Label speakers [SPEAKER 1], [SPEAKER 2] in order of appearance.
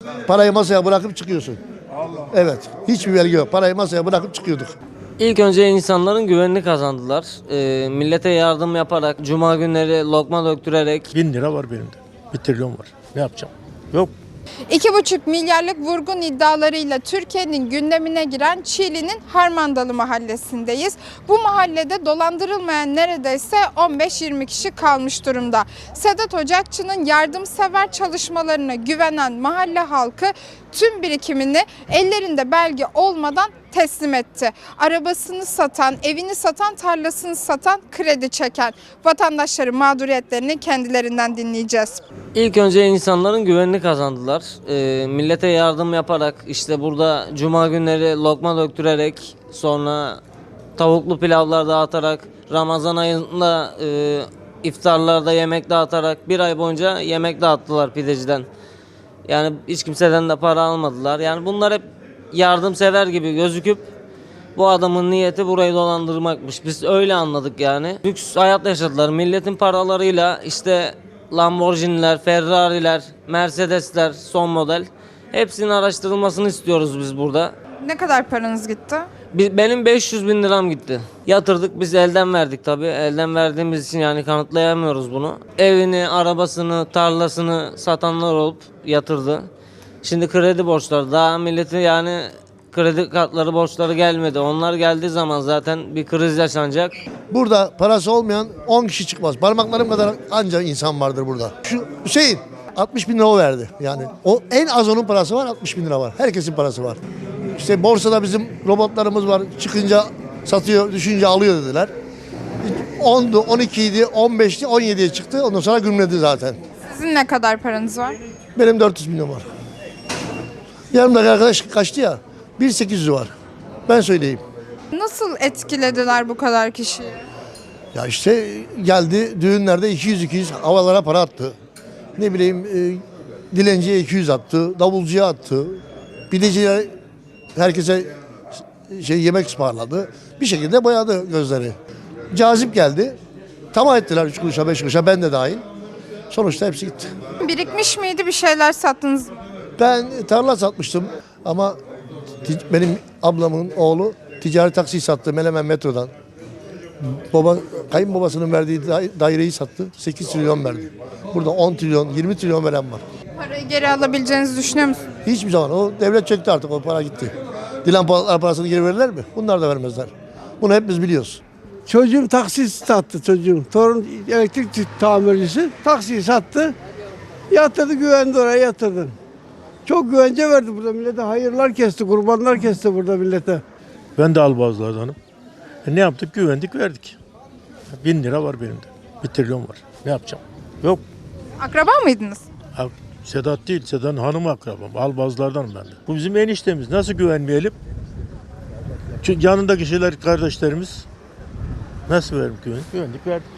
[SPEAKER 1] Parayı masaya bırakıp çıkıyorsun. Evet. Hiçbir vergi yok. Parayı masaya bırakıp çıkıyorduk.
[SPEAKER 2] İlk önce insanların güvenini kazandılar. Millete yardım yaparak, cuma günleri lokma döktürerek.
[SPEAKER 3] 1000 lira var benim de. 1 trilyon var. Ne yapacağım? Yok.
[SPEAKER 4] 2,5 milyarlık vurgun iddialarıyla Türkiye'nin gündemine giren Çiğli'nin Harmandalı mahallesindeyiz. Bu mahallede dolandırılmayan neredeyse 15-20 kişi kalmış durumda. Sedat Ocakçı'nın yardımsever çalışmalarına güvenen mahalle halkı tüm birikimini ellerinde belge olmadan teslim etti. Arabasını satan, evini satan, tarlasını satan, kredi çeken vatandaşların mağduriyetlerini kendilerinden dinleyeceğiz.
[SPEAKER 2] İlk önce insanların güvenini kazandılar. Millete yardım yaparak, işte burada cuma günleri lokma döktürerek, sonra tavuklu pilavlar dağıtarak, Ramazan ayında iftarlarda yemek dağıtarak bir ay boyunca yemek dağıttılar pideciden. Yani hiç kimseden de para almadılar. Yani bunlar hep yardımsever gibi gözüküp bu adamın niyeti burayı dolandırmakmış. Biz öyle anladık yani. Lüks hayat yaşadılar. Milletin paralarıyla işte Lamborghini'ler, Ferrari'ler, Mercedes'ler son model. Hepsinin araştırılmasını istiyoruz biz burada.
[SPEAKER 4] Ne kadar paranız gitti?
[SPEAKER 2] Benim 500 bin liram gitti. Yatırdık, biz elden verdik tabii. Elden verdiğimiz için yani kanıtlayamıyoruz bunu. Evini, arabasını, tarlasını satanlar olup yatırdı. Şimdi kredi borçları, daha milleti yani kredi kartları borçları gelmedi. Onlar geldiği zaman zaten bir kriz yaşanacak.
[SPEAKER 1] Burada parası olmayan 10 kişi çıkmaz. Parmaklarım kadar anca insan vardır burada. Şu Hüseyin 60 bin lira o verdi. Yani o en az onun parası var, 60 bin lira var. Herkesin parası var. İşte borsada bizim robotlarımız var. Çıkınca satıyor, düşünce alıyor dediler. 10'du, 12'ydi, 15'ti, 17'ye çıktı. Ondan sonra gümledi zaten.
[SPEAKER 4] Sizin ne kadar paranız var?
[SPEAKER 1] Benim 400 milyon var. Yanımdaki arkadaş kaçtı ya. 1.800'ü var. Ben söyleyeyim.
[SPEAKER 4] Nasıl etkilediler bu kadar kişiyi?
[SPEAKER 1] Ya işte geldi düğünlerde 200 havalara para attı. Ne bileyim dilenciye 200 attı, davulcuya attı. Pideciye herkese yemek ısmarladı. Bir şekilde boyadı gözleri. Cazip geldi. Tamam ettiler 3 kuruşa 5 kuruşa, ben de dahil. Sonuçta hepsi gitti.
[SPEAKER 4] Birikmiş miydi, bir şeyler sattınız mı?
[SPEAKER 1] Ben tarla satmıştım ama benim ablamın oğlu ticari taksi sattı Menemen metrodan. Kayınbabasının verdiği daireyi sattı. 8 trilyon verdi. Burada 10 trilyon, 20 trilyon veren var.
[SPEAKER 4] Parayı geri alabileceğinizi düşünüyor musunuz?
[SPEAKER 1] Hiçbir zaman. O devlet çöktü artık. O para gitti. Dilan Polatlar parasını geri verirler mi? Bunlar da vermezler. Bunu hepimiz biliyoruz.
[SPEAKER 5] Çocuğum taksi sattı çocuğum. Torun elektrik tamircisi taksiyi sattı. Yatırdı, güvendi, oraya yatırdı. Çok güvence verdi burada millete. Hayırlar kesti, kurbanlar kesti burada millete.
[SPEAKER 3] Ben de albazlardanım. Ne yaptık? Güvendik, verdik. 1000 lira var benim de. 1 trilyon var. Ne yapacağım? Yok.
[SPEAKER 4] Akraba mıydınız?
[SPEAKER 3] Sedat değil, Sedat'ın hanımı akrabam. Albazlardanım ben de. Bu bizim eniştemiz. Nasıl güvenmeyelim? Çünkü yanındaki şeyler kardeşlerimiz. Nasıl verim güvendik? Güvendik, verdik.